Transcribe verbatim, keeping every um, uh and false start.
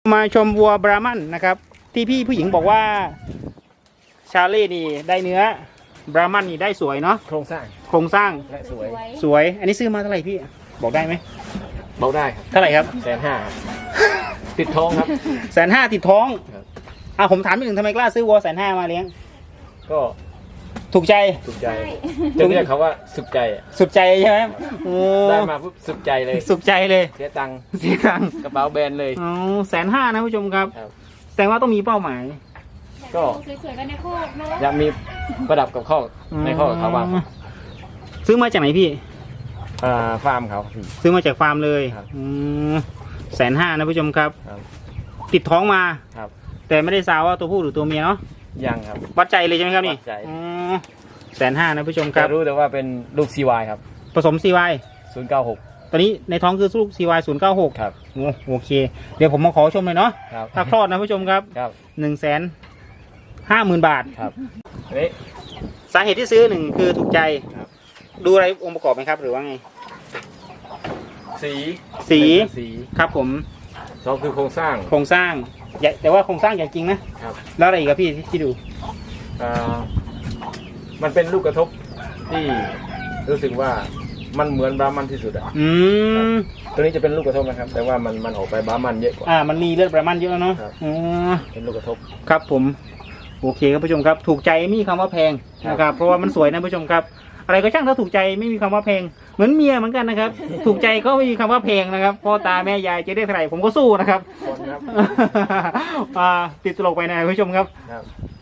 มาชมวัวบราหมันนะครับที่พี่ผู้หญิงบอกว่าชาเล่นี่ได้เนื้อบราหมันนี่ได้สวยเนาะโครงสร้างโครงสร้างและสวยสวยอันนี้ซื้อมาเท่าไหร่พี่บอกได้ไหมบอกได้ครับเท่าไหร่ครับแสนห้าติดท้องครับแสนห้าติดท้องอ่ะผมถามนิดหนึ่งทำไมกล้าซื้อวัวแสนห้ามาเลี้ยงก็ถูกใจถูกใจจะเรียกเขาว่าสุขใจสุขใจใช่ไหมได้มาปุ๊บสุขใจเลยสุขใจเลยเสียตังค์เสียตังค์กระเป๋าแบนเลยอ๋อแสนห้านะผู้ชมครับแสดงว่าต้องมีเป้าหมายก็สวยๆกันในคอกเนาะอยากมีประดับกับข้อในข้อเขาบ้างซื้อมาจากไหนพี่อ่าฟาร์มเขาซื้อมาจากฟาร์มเลยแสนห้านะผู้ชมครับติดท้องมาครับแต่ไม่ได้สาวว่าตัวผู้หรือตัวเมียเนาะยังครับวัดใจเลยใช่ไหมครับนี่วัดใจแสนห้านะผู้ชมครับรู้แต่ว่าเป็นลูก ซี วาย ครับผสม ซี วายศูนย์เก้าหกตอนนี้ในท้องคือลูก ซี วาย ศูนย์เก้าหกครับโอเคเดี๋ยวผมมาขอชมเลยเนาะถ้าคลอดนะผู้ชมครับหนึ่งแสนห้าหมื่นบาทครับนี่สาเหตุที่ซื้อหนึ่งคือถูกใจดูอะไรองค์ประกอบไหมครับหรือว่าไงสีสีสีครับผมสองคือโครงสร้างโครงสร้างใหญ่แต่ว่าโครงสร้างใหญ่จริงนะครับแล้วอะไรอีกครับพี่ที่ดูอ่ามันเป็นลูกกระทบที่รู้สึกว่ามันเหมือนบราหมันที่สุดอ่ะอืมตัวนี้จะเป็นลูกกระทบนะครับแต่ว่ามันมันออกไปบราหมันเยอะกว่าอ่ามันมีเลือดบราหมันเยอะแล้วเนาะอ๋อเป็นลูกกระทบครับผมโอเคครับผู้ชมครับถูกใจไม่มีคำว่าแพงนะครับเพราะว่ามันสวยนะผู้ชมครับอะไรก็ช่างถ้าถูกใจไม่มีคำว่าแพงเหมือนเมียเหมือนกันนะครับถูกใจก็ไม่มีคำว่าแพงนะครับพ่อตาแม่ยายจะได้เท่าไหร่ผมก็สู้นะครับติดตลกไปนะผู้ชมครับ